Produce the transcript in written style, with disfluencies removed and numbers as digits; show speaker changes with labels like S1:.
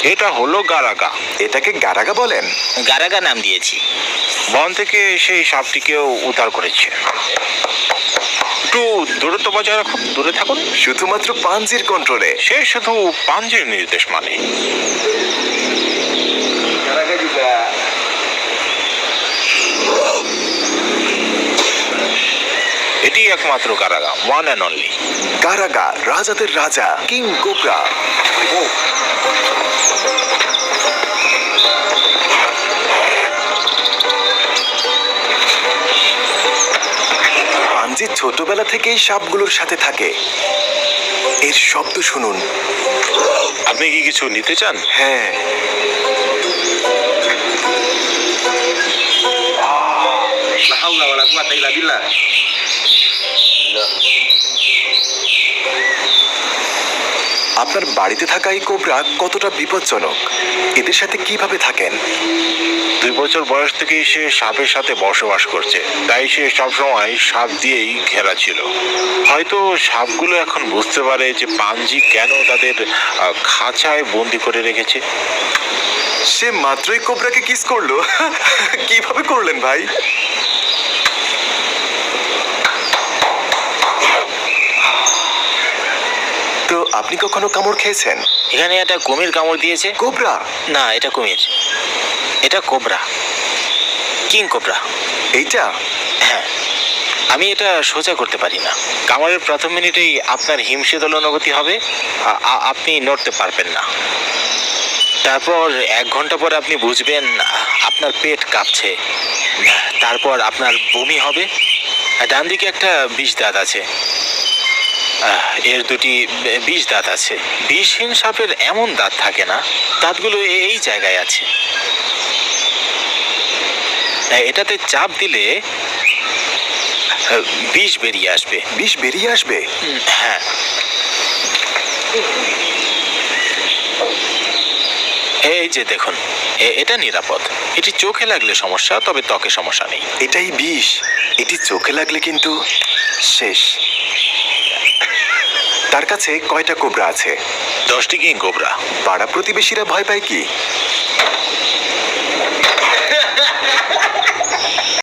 S1: এটা হলো গারাগা।
S2: এটাকে গারাগা বলেন?
S3: গারাগা নাম দিয়েছি।
S1: বন থেকে সেই সাপটিকেও উদ্ধার করেছে। একটু দূরত্ব বজায় রাখুন, দূরে থাকুন।
S2: শুধুমাত্র পাঞ্জির কন্ট্রোলে?
S1: সে শুধু পাঞ্জের নির্দেশ মানে। এটি একমাত্র Garaga, one and only.
S2: Garaga, রাজাদের রাজা, কিং কোবরা। পাঞ্জি ছোটবেলা থেকেই সাপগুলোর সাথে থাকে। এর শব্দ শুনুন।
S1: আপনি কি কিছু নিতে চান?
S2: হ্যাঁ, আপনার বাড়িতে থাকা এই কোবরা কতটা বিপজ্জনক? এদের সাথে কিভাবে থাকেন?
S1: 2 বছর বয়স থেকেই সে সাপের সাথে বসবাস করছে, তাই সে সবসময় সাপ দিয়েই ঘেরা ছিল। হয়তো সাপগুলো এখন বুঝতে পারে যে পাঞ্জি কেন তাদের খাঁচায় বন্দি করে রেখেছে।
S2: সে মাত্রই কোবরাকে কিস করলো। কিভাবে করলেন ভাই? তো আপনি কখনো কামড় খেয়েছেন?
S3: এখানে একটা কুমির কামড় দিয়েছে।
S2: কোবরা?
S3: না, এটা কুমির। এটা কোবরা, কিং কোবরা।
S2: এইটা?
S3: হ্যাঁ, আমি এটা সোজা করতে পারি না। কামড়ের প্রথম মিনিটেই আপনার হিমশীতল অনুভূতি হবে, আপনি নড়তে পারবেন না। তারপর 1 ঘন্টা পর আপনি বুঝবেন আপনার পেট কাঁপছে। তারপর আপনার বমি হবে। ডান দিকে একটা বিষ দাঁত আছে, এর 2টি বিষ দাঁত আছে। বিষহীন সাপের এমন দাঁত থাকে না, দাঁতগুলো এই জায়গায় আছে। এটাতে চাপ দিলে বিষ বেরিয়ে আসবে।
S2: বিষ বেরিয়ে আসবে?
S3: হ্যাঁ, এই যে দেখুন, এটা নিরাপদ। এটি চোখে লাগলে সমস্যা, তবে ত্বকে সমস্যা নেই।
S2: এটাই বিষ। এটি চোখে লাগলে কিন্তু শেষ। তার কাছে কয়টা কোবরা আছে?
S1: 10টি কিং কোবরা।
S2: পাড়া প্রতিবেশীরা ভয় পায় কি?